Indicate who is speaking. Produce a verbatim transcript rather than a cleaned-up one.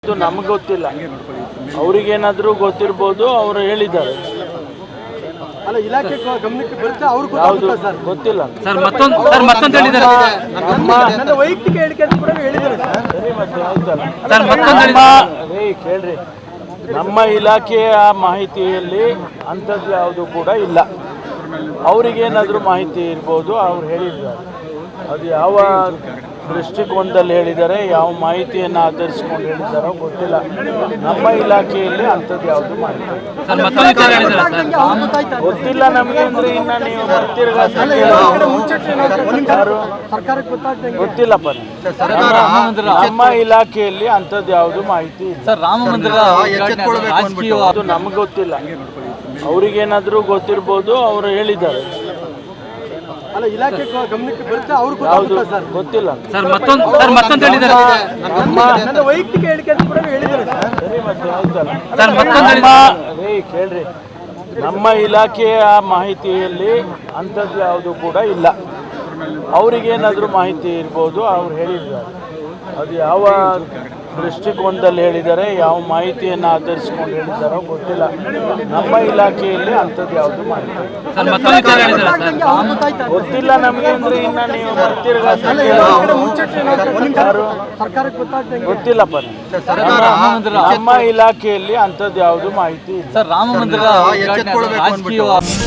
Speaker 1: ಇದು ನಮಗೆ ಗೊತ್ತಿಲ್ಲ, ಅವರಿಗೇನಾದರೂ ಗೊತ್ತಿರ್ಬೋದು, ಅವರು ಹೇಳಿದ್ದಾರೆ.
Speaker 2: ಅಲ್ಲ, ಇಲಾಖೆ ಗಮನಕ್ಕೆ ಬರುತ್ತೆ, ಅವ್ರಿಗೆ
Speaker 1: ಯಾವುದು
Speaker 2: ಸರ್
Speaker 1: ಗೊತ್ತಿಲ್ಲ
Speaker 3: ಸರ್. ಮತ್ತೊಂದು ಸರ್ ಮತ್ತೊಂದು ಹೇಳಿದ್ದಾರೆ
Speaker 1: ನಮ್ಮ
Speaker 2: ನನ್ನ ವೈಯಕ್ತಿಕ ಹೇಳಿಕೆ ಅಂತ ಕೂಡ ಹೇಳಿದ್ದಾರೆ ಸರ್.
Speaker 1: ಸರಿ, ಮತ್ತೆ ಆಯ್ತಲ್ಲ
Speaker 3: ಸರ್. ಮತ್ತೊಂದು
Speaker 1: ನಮ್ಮ
Speaker 3: ಹೇಳಿದ್ದಾರೆ
Speaker 1: ರೇ ಕೇಳ್ರಿ, ನಮ್ಮ ಇಲಾಖೆಯ ಮಾಹಿತಿಯಲ್ಲಿ ಅಂಥದ್ದು ಯಾವುದು ಕೂಡ ಇಲ್ಲ. ಅವರಿಗೇನಾದರೂ ಮಾಹಿತಿ ಇರ್ಬೋದು, ಅವ್ರು ಹೇಳಿದ್ದಾರೆ. ಅದು ಯಾವ ದೃಷ್ಟಿಕೋನದಲ್ಲಿ ಹೇಳಿದ್ದಾರೆ, ಯಾವ ಮಾಹಿತಿಯನ್ನು ಆಧರಿಸ್ಕೊಂಡು ಹೇಳಿದ್ದಾರೋ ಗೊತ್ತಿಲ್ಲ. ನಮ್ಮ ಇಲಾಖೆಯಲ್ಲಿ ಅಂಥದ್ದು ಯಾವುದು ಮಾಹಿತಿ ಇಲ್ಲ.
Speaker 3: ಸರ್. ಮತ್ತೊಂದು ವಿಚಾರ ಹೇಳಿದ್ದಾರೆ ಸರ್.
Speaker 1: ಗೊತ್ತಿಲ್ಲ ನಮಗೆ ಅಂದ್ರೆ ಇನ್ನ ನೀವು ಬರ್ತಿರ್ಗ ಯಾರು
Speaker 2: ಸರ್ಕಾರಕ್ಕೆ ಗೊತ್ತಾಗ್ತದೆ.
Speaker 1: ಗೊತ್ತಿಲ್ಲಪ್ಪ ನನಗೆ. ನಮ್ಮ ಇಲಾಖೆಯಲ್ಲಿ ಅಂಥದ್ದು ಯಾವುದು ಮಾಹಿತಿ ಇಲ್ಲ.
Speaker 3: ಸರ್, ರಾಮ ಮಂದಿರ ರಾಜಕೀಯ
Speaker 1: ಅದು ನಮಗೆ ಗೊತ್ತಿಲ್ಲ, ಅವರಿಗೇನಾದರೂ ಗೊತ್ತಿರ್ಬೋದು, ಅವರು ಹೇಳಿದ್ದಾರೆ.
Speaker 2: ಅಲ್ಲ, ಇಲಾಖೆ ಗಮನಕ್ಕೆ ಬರುತ್ತೆ, ಅವ್ರಿಗೆ
Speaker 1: ಯಾವುದು
Speaker 2: ಸರ್.
Speaker 1: ಗೊತ್ತಿಲ್ಲ
Speaker 3: ಸರ್. ಮತ್ತೊಂದು ಸರ್ ಮತ್ತೊಂದು ಹೇಳಿದ್ದಾರೆ
Speaker 1: ನಮ್ಮ
Speaker 2: ನನ್ನ ವೈಯಕ್ತಿಕ ಹೇಳಿಕೆ ಅಂತ ಕೂಡ ಹೇಳಿದ್ದಾರೆ ಸರ್.
Speaker 1: ಸರಿ, ಮತ್ತೆ ಆಯ್ತಲ್ಲ
Speaker 3: ಸರ್. ಮತ್ತೊಂದು
Speaker 1: ನಮ್ಮ
Speaker 3: ಹೇಳಿದ್ದಾರೆ
Speaker 1: ರೇ ಕೇಳ್ರಿ, ನಮ್ಮ ಇಲಾಖೆಯ ಮಾಹಿತಿಯಲ್ಲಿ ಅಂಥದ್ದು ಯಾವುದು ಕೂಡ ಇಲ್ಲ. ಅವರಿಗೇನಾದರೂ ಮಾಹಿತಿ ಇರ್ಬೋದು, ಅವ್ರು ಹೇಳಿದ್ದಾರೆ. ಅದು ಯಾವ ದೃಷ್ಟಿಕೋನದಲ್ಲಿ ಹೇಳಿದ್ದಾರೆ, ಯಾವ ಮಾಹಿತಿಯನ್ನು ಆಧರಿಸ್ಕೊಂಡು ಹೇಳಿದ್ದಾರೋ ಗೊತ್ತಿಲ್ಲ. ನಮ್ಮ ಇಲಾಖೆಯಲ್ಲಿ ಅಂಥದ್ದು ಯಾವುದು ಮಾಹಿತಿ ಇಲ್ಲ.
Speaker 3: ಸರ್. ಮತ್ತೊಂದು ವಿಚಾರ ಹೇಳಿದ್ದಾರೆ ಸರ್.
Speaker 1: ಗೊತ್ತಿಲ್ಲ ನಮಗೆ ಅಂದ್ರೆ ಇನ್ನ ನೀವು ಬರ್ತಿರ್ಗ ಯಾರು
Speaker 2: ಸರ್ಕಾರಕ್ಕೆ ಗೊತ್ತಾಗ್ತದೆ.
Speaker 1: ಗೊತ್ತಿಲ್ಲಪ್ಪ ನನಗೆ. ನಮ್ಮ ಇಲಾಖೆಯಲ್ಲಿ ಅಂಥದ್ದು ಯಾವುದು ಮಾಹಿತಿ ಇಲ್ಲ.
Speaker 3: ಸರ್, ರಾಮ ಮಂದಿರ ರಾಜಕೀಯ